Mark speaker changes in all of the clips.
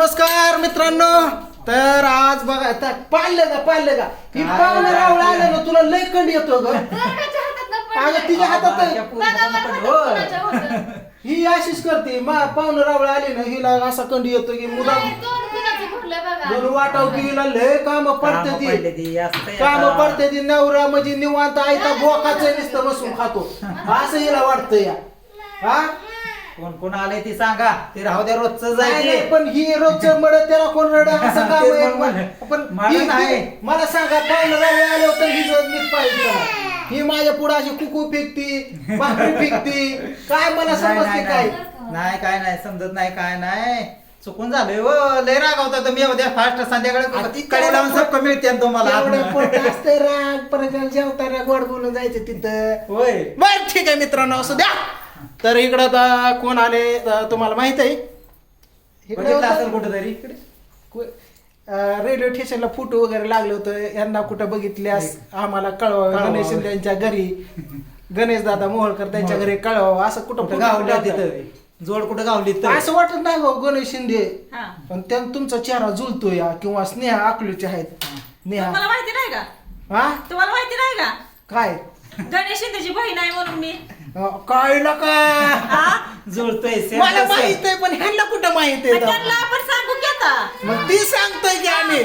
Speaker 1: नमस्कार मित्रांनो. तर आज बघा पाळलं का ही पाहुणे रावळ आलं ना तुला लय कंड येतो ग. अगं तिच्या हातात ही अशीच करते पाहुणे रावळ आली ना हिला असा कंड येतो की मुदाम दोन वाटाव की हिला लय काम पडते ती नवरा म्हणजे निवांत आयता बोकाचं नुसतं बसून खातो असं हिला वाटतं या. हा
Speaker 2: कोण कोण आले ती सांगा, ते राहू द्या रोजचं जायचे.
Speaker 1: पण ही रोजचं मड त्याला कोण रड असं काम आहे. पण मला सांगा पाहुणे रावळे आले होते ही नीट पाहिजे. ही माझ्या पुढे अशी कुकू फेकती भाकरी फेकती काय मला समजते काय
Speaker 2: नाही काय नाही समजत नाही काय नाही चुकून झालंय व लय रागावता तुम्ही उद्या फास्ट संध्याकाळी कडे लावून सबक मिळते तुम्हाला.
Speaker 1: राग परत जेवताना गोड बोलून जायचं तिथं.
Speaker 2: होय
Speaker 1: बर ठीक आहे मित्रांनो असं द्या. तर इकडं कोण आले तुम्हाला माहित आहे
Speaker 2: असेल कुठेतरी
Speaker 1: रेल्वे स्टेशनला फोटो वगैरे लागले होतं. यांना कुठं बघितल्यास आम्हाला कळवा. गणेश शिंदे यांच्या घरी गणेश दादा मोहोळकर त्यांच्या घरी कळवा. असं कुठं
Speaker 2: गावल्या तिथं जोड कुठं गावली
Speaker 1: असं वाटत नाही हो गणेश शिंदे. पण तुमचा चेहरा जुळतो या किंवा स्नेहा आकलूचे आहेत. नेहा
Speaker 3: तुम्हाला माहिती नाही का?
Speaker 1: हा
Speaker 3: तुम्हाला माहिती नाही का
Speaker 1: काय
Speaker 3: गणेश शिंदेची बहीण आहे म्हणून मी
Speaker 1: काय का
Speaker 2: जुळतोय
Speaker 1: मला माहित आहे पण ह्यांना कुठं माहित आहे
Speaker 3: त्यांना आपण सांगू की आता
Speaker 1: मग ती सांगतोय की आम्ही.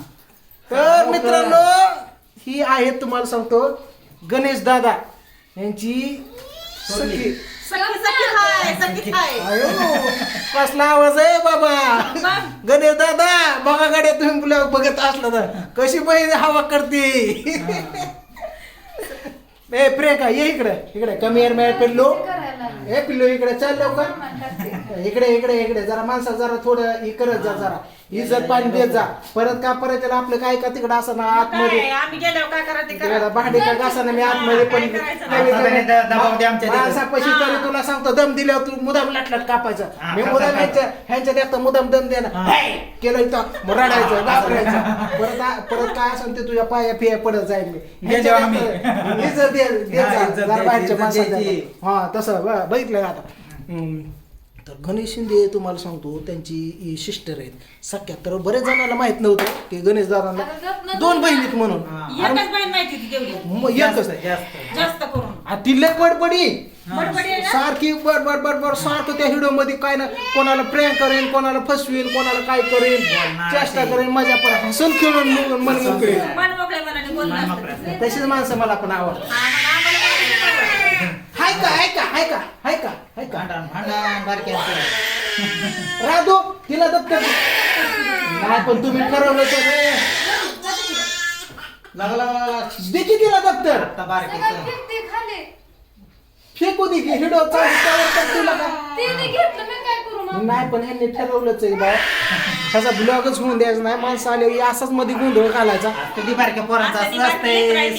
Speaker 1: तर मित्रांनो ही आहे तुम्हाला सांगतो गणेश दादा यांची सखी.
Speaker 3: सखी हाय.
Speaker 1: कसला आवाज आहे बाबा. गणेश दादा बघा गाड्या तुम्ही बघत असला तर कशी बहीण हवा करते. ए प्रियंका ये इकडे कमी एअर मॅ पिल्लो. ए पिल्लो इकडे चल लवकर. इकडे जरा माणसा जरा थोडं हे करत जा जरा इज्जत पाणी देत जा. परत आपलं काय का तिकडं असं ना आतमध्ये
Speaker 3: आम्ही गेल्यावर काय करा ते करा.
Speaker 1: भांडी का घासानं मी आतमध्ये पण माणसापाशी तरी तुला सांगतो दम दिल्यावर तू मुदाम लाटलाट कापायचं. मी मुदाम ह्यांच्या देखता मुदाम दम देणं केलं इथं रडायचं घाबरायचं. परत काय असेल ते तुझ्या पाया फिया पडत जाईल मी. इज्जत बाहेरच्या माणसाची. हा तसं बघितलं आता. तर गणेश शिंदे तुम्हाला सांगतो त्यांची सिस्टर आहेत सख्या. तर बरेच जणांना माहित नव्हतं की गणेश दादांना दोन बहिणीत म्हणून.
Speaker 3: एकच बहीण माहिती होती तेवढी
Speaker 1: एकच
Speaker 3: जास्त करून.
Speaker 1: ती लय बडबडी
Speaker 3: बडबडी आहे ना?
Speaker 1: सारखी बडबड सारखं त्या व्हिडिओ मध्ये काय ना कोणाला प्रेम करेन कोणाला फसवीन कोणाला काय करेन चेष्टा करेन मजा पण हसून खेळून मन मोकळे.
Speaker 3: मन मोकळ्या मनाने बोलणं असतं.
Speaker 1: तशीच माणसं मला पण आवडतात. हाय का राधू तिला दप्तर नाही पण तुम्ही ठरवलं दे की तिला दप्तर फेकू दे की हिडो तुला नाही पण ह्यांनी ठरवलंच आहे बा त्याचा ब्लॉगच होऊन द्यायचा नाही. माणसं आले असाच मध्ये गोंधळ घालायचा.
Speaker 2: कधी बारक्या पोरांचा असं नसतंय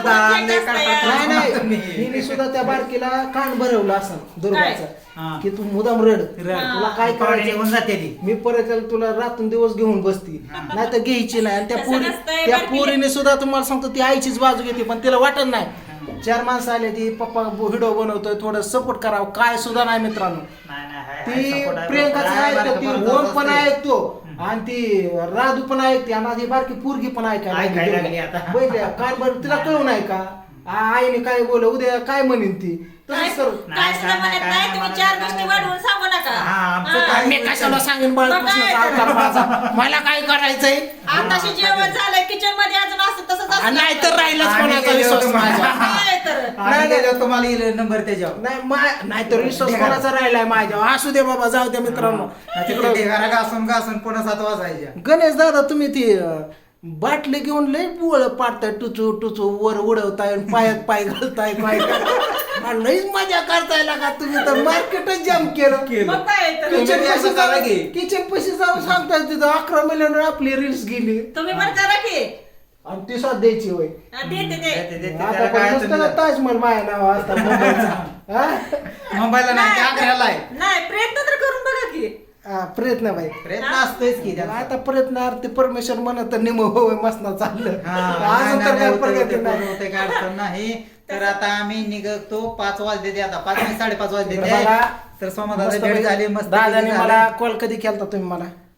Speaker 1: नाही हिने सुद्धा त्या बारकीला कान भरवलं असं दुर्गाचं की तू मुदाम रड तुला काय करायचं
Speaker 2: जाते.
Speaker 1: मी परत तुला रातून दिवस घेऊन बसती नाही तर घ्यायची नाही. आणि त्या पोरीने सुद्धा तुम्हाला सांगतो ती आईचीच बाजू घेते पण तिला वाटत नाही. चार माणसं आले ती पप्पा व्हिडिओ बनवतोय थोडं सपोर्ट करावं काय सुद्धा नाही मित्रांनो. ती प्रियंकाच ऐकतो ती ओम पण ऐकतो आणि ती राधू पण ऐकते आणि ती बारकी पोरगी पण ऐकायला काय बरं तिला कळू नाही का आईने काय बोल उद्या काय म्हणेन ती तसंच करू.
Speaker 3: काय सुद्धा म्हणत नाही. तुम्ही चार गोष्टी वाढवून सांगू नका.
Speaker 1: मी कशाला सांगेन बाळकृष्णाचा अवतार माझा मला काय करायचंय.
Speaker 3: आताशी जेवण झालंय किचन मध्ये अजून असं तसंच
Speaker 1: नाही तर राहिलाच कोणाचा विश्वास माझा.
Speaker 3: तर
Speaker 2: तुम्हाला नंबर त्याच्यावर
Speaker 1: नाही तर विश्वास कोणाचा राहिलाय माझ्यावर. असू दे बाबा जाऊ द्या मित्रांनो.
Speaker 2: तिकडे घासून पुन्हा 7 वाजायच्या.
Speaker 1: गणेश दादा तुम्ही ती बाटली घेऊन लय बुळ पाडताय टुचू वर उडवताय पायात पाय घालताय काय लईच मजा करताय लागा तुम्ही तर मार्केटच जाम केलं.
Speaker 3: मग काय तर
Speaker 1: किचन पैसे जाऊन सांगताय तिथं 11 मिलियन आपली रील्स गेली
Speaker 3: तुम्ही पण करा की
Speaker 1: आणि ती साथ द्यायची होय.
Speaker 3: देते
Speaker 1: आता पण नुसतं ना ताजमहल माझ्या नाव असतात मुंबईचा.
Speaker 2: मुंबईला नाही आग्र्याला आहे.
Speaker 3: नाही प्रयत्न तर करून बघा की.
Speaker 1: प्रयत्न बाई
Speaker 2: प्रयत्न असतोच की
Speaker 1: आता प्रयत्न अर्थ परमेश्वर म्हणत तर निम होय मसना चाललं अजून तर काय प्रगती नाही.
Speaker 2: काय अडचण नाही. तर आता आम्ही निघतो 5 वाजले आता 5 आणि 5:30 वाजले. तर सोमवार भेट झाली मस्त.
Speaker 1: दादाने मला कॉल कधी केलता तुम्ही मला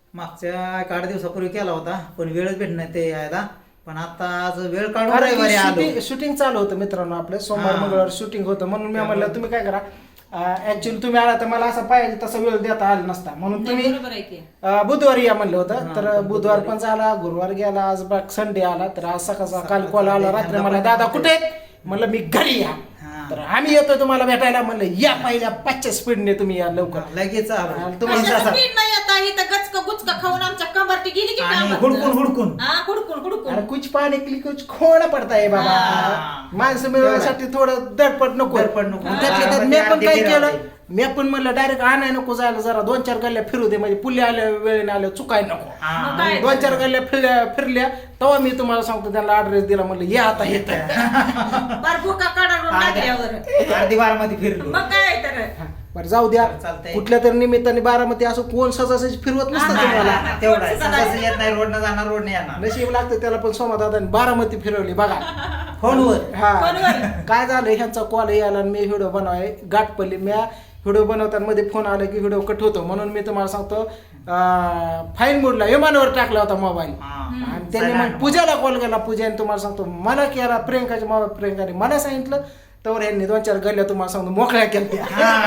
Speaker 2: मागच्या एक 8 दिवसापूर्वी केला होता पण वेळच भेट नाही ते यायला. पण आता आज वेळ काढून रविवारी आलो.
Speaker 1: शूटिंग चालू होतं मित्रांनो आपलं सोमवार मंगळवार शूटिंग होतं म्हणून मी म्हणलं तुम्ही काय करा ऍक्च्युअली तुम्ही आला तर मला असं पाहिजे तसा वेळ देता आला नसता म्हणून तुम्ही
Speaker 3: बरोबर आहे की.
Speaker 1: बुधवारी या म्हणलं होतं. तर बुधवार पण झाला, गुरुवार गेला, आज बघ संडे आला. तर आज सकाळचा काल कॉल आला रात्री मला दादा कुठे आहेत? म्हणलं मी घरी या. तर आम्ही येतो तुम्हाला भेटायला. म्हणलं या पहिल्या 5च्या स्पीडने तुम्ही या लवकर.
Speaker 2: लगेच आलो.
Speaker 1: तुम्हाला
Speaker 3: कशाचं पीठ नाही आता इथं गचक गुचका खाऊन आमच्या कंबरटी गेली की
Speaker 2: आणि
Speaker 3: कामात.
Speaker 2: हुडकून
Speaker 3: हा हुडकून हुडकून
Speaker 1: अरे कुछ पाणी केली कुछ खोणं पडताय बाबा. माणसं मिळवण्यासाठी थोडं दडपड नको.
Speaker 2: दडपड नको.
Speaker 1: त्यातल्या त्यात मी पण काय केलं, मी पण म्हणलं डायरेक्ट आणाय नको जायला, जरा 2-4 गल्ल्या फिरू दे म्हणजे पुल्ले आल्या वेळेने आल्या चुकाय नको.
Speaker 3: मग काय?
Speaker 1: 2-4 गल्ल्या फिरल्या तेव्हा मी तुम्हाला सांगतो त्यांना ऍड्रेस दिला. म्हणलं ये आता येत
Speaker 3: बार भुका काढून टाकल्यावर
Speaker 2: अर्धी बारामध्ये फिरलो.
Speaker 3: मग काय तर
Speaker 1: बरं जाऊ द्या.
Speaker 2: चालतंय.
Speaker 1: कुठल्या तरी निमित्ताने बारामती असं कोण सजासजी फिरवत नसतं तुम्हाला.
Speaker 2: तेवढं आहे. सकाळचं येत नाही, रोडनं जाणार, रोडने येणार.
Speaker 1: नशीब लागतं त्याला. पण सोमादादाने बारामती फिरवली बघा
Speaker 2: फोनवर.
Speaker 1: हा
Speaker 3: फोनवर.
Speaker 1: काय झालं ह्यांचा कॉल यायला आणि मी व्हिडिओ बनवाय गाठ पडली. मी व्हिडिओ बनवताना मध्ये फोन आला की व्हिडिओ कट होतो म्हणून मी तुम्हाला सांगतो फाईन मोडला विमानावर टाकला होता मोबाईल. आणि त्यांनी मग पूजाला कॉल केला. पूजाने तुम्हाला सांगतो मला केला प्रियंकाच्या मोबाईल. प्रियंकाने मला सांगितलं तर यांनी 2-4 गल्ल्या तुम्हाला सांगतो मोकळ्या केल्या.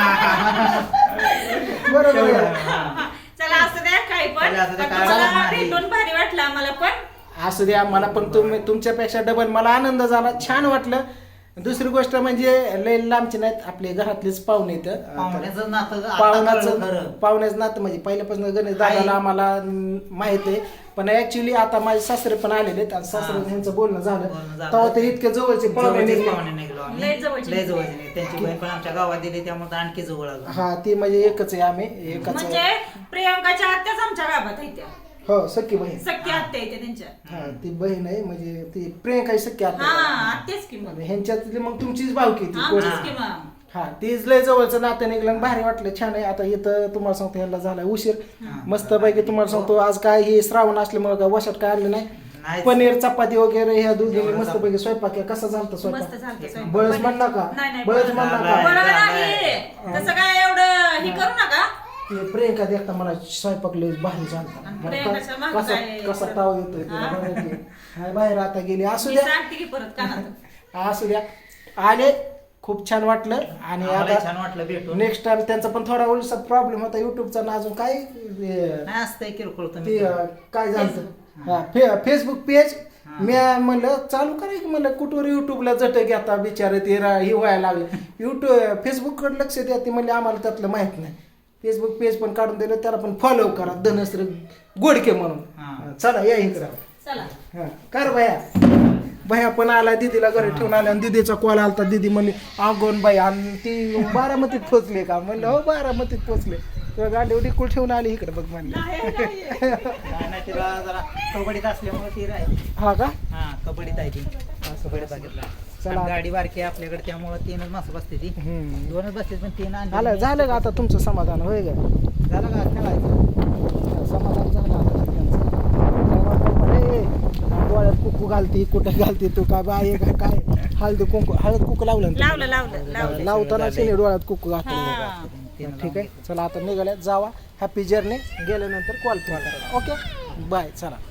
Speaker 1: बरोबर आहे.
Speaker 3: चला असं द्या काही पण
Speaker 2: चला, असू द्या,
Speaker 3: पण
Speaker 2: काय
Speaker 3: तुम्हाला
Speaker 2: हरकत नाही.
Speaker 3: भेटून भारी वाटलं आम्हाला पण.
Speaker 1: असू द्या. मला पण तुमच्यापेक्षा डबल मला आनंद झाला, छान वाटलं. दुसरी गोष्ट म्हणजे लय लांबचे नाहीत आपले घरातलेच पाहुणे इथं.
Speaker 2: पाहुण्याचं नातं आता कळलं खरं.
Speaker 1: पाहुण्याचं नातं म्हणजे पहिल्यापासून गणेश दादाला आम्हाला माहित आहे. पण ऍक्च्युली आता माझे सासरे पण आलेले आहेत आणि सासरे यांचं बोलणं झालं तेव्हा ते इतके जवळचे पाहुणे
Speaker 2: जवळचेच
Speaker 1: निघले.
Speaker 2: पाहुणे निघलो आम्ही.
Speaker 3: लय जवळचे.
Speaker 2: लय जवळचे निघले. त्यांची बहीण पण आमच्या गावात दिली त्यामुळे आणखी जवळ आलो.
Speaker 1: हा ती म्हणजे एकच आहे आम्ही एकच.
Speaker 3: म्हणजे प्रियंकाच्या आत्याच आमच्या गावात आहे त्या.
Speaker 1: हो सख्खी बहीण.
Speaker 3: सख्या आत्या आहे त्या त्यांच्या.
Speaker 1: हा ती बहीण आहे म्हणजे ती प्रियंका सख्खी
Speaker 3: हा
Speaker 1: आता
Speaker 3: आत्याच की मग.
Speaker 1: ह्यांच्यातली मग तुमचीच भावकी ती.
Speaker 3: आमचीच की मग.
Speaker 1: हा तीच लय जवळचं नातं निघलं आणि भारी वाटलं, छान आहे. आता इथं तुम्हाला सांगतो ह्याला झाला उशीर मस्त पैकी. तुम्हाला सांगतो आज काय हे श्रावण असल्यामुळे काय वशात काय आणलं नाही.
Speaker 2: नाही.
Speaker 1: पनीर चपाती वगैरे ह्या दोघींनी मस्त पैकी स्वयंपाक केला. कसा झालता
Speaker 3: मस्त
Speaker 1: स्वयंपाक?
Speaker 3: झालतं स्वयंपाक.
Speaker 1: बळच म्हणला का?
Speaker 3: नाही, नाही,
Speaker 1: बळच
Speaker 3: बळच
Speaker 1: म्हणला
Speaker 2: झालाय.
Speaker 1: का?
Speaker 3: बरोबर आहे. तसं काय एवढं हे करू नका.
Speaker 1: ते प्रियंका देखता मला स्वयंपाक लय भारी झालता.
Speaker 3: आणि
Speaker 1: मला
Speaker 3: प्रियंकाच्या मागं
Speaker 1: कसा
Speaker 3: काय
Speaker 1: कसा
Speaker 3: परत?
Speaker 1: ताव येतोय ते
Speaker 3: हा.
Speaker 1: बघा की. हाय बाहेर आता गेली. असू
Speaker 3: मी
Speaker 1: द्या
Speaker 3: सांगते की परत कानात.
Speaker 1: असू द्या. आले खूप छान वाटलं. आणि
Speaker 2: आम्हाला
Speaker 1: आता
Speaker 2: छान वाटलं भेटून.
Speaker 1: नेक्स्ट टाइम त्यांचा पण थोडा ओलसा प्रॉब्लेम होता युट्यूबचा ना अजून काय
Speaker 2: नाही असतंय किरकोळ
Speaker 1: ते
Speaker 2: तुम्ही.
Speaker 1: काय झालं फेसबुक पेज मी म्हणलं चालू करायचं म्हणलं कुठवर युट्यूबला जट घेता बिचारे ते हे व्हायला लागले. युट्यूब फेसबुककडे लक्ष द्या. ते म्हणले आम्हाला त्यातलं माहित नाही. फेसबुक पेज पण काढून दिलं त्याला पण फॉलो करा धनश्री गोडके म्हणून. चला या इकडं.
Speaker 3: चला
Speaker 1: हा कर भया पण आला दीदीला घरी ठेवून आला आणि दीदीचा कॉल आलता. दीदी म्हणली अगोन बाई आणि ती बारामतीत पोचले का? म्हणलं हो बारामतीत पोचले. तुला गाडी उडी ठेवून आली इकडे बघ म्हणलं.
Speaker 2: नाही तिला जरा कबड्डीत असल्यामुळे ती राहील.
Speaker 1: हा का?
Speaker 2: हा कबड्डीत आहे ती. कबड्डीत बघितला.
Speaker 1: चला.
Speaker 2: गाडी बारकी आहे आपल्याकडे त्यामुळे 3च माणसं बसते ती. 2च बसते पण 3
Speaker 1: आलं झालं का आता तुमचं समाधान होय का?
Speaker 2: झालं का खेळायचं.
Speaker 1: समाधान झालं आता त्यांचं. डोळ्यात कुकू घालती कुठं घालती तू काय बाय काय हळदी कुंकू हळद कुकू लावलं ना
Speaker 3: लावलं लावलं लावलं.
Speaker 1: लावताना तिने डोळ्यात कुकू घातलं.
Speaker 3: हा.
Speaker 1: ठीक आहे चला आता निघाल्यात जावा. Happy journey. गेल्यानंतर कॉल करा. ओके बाय चला.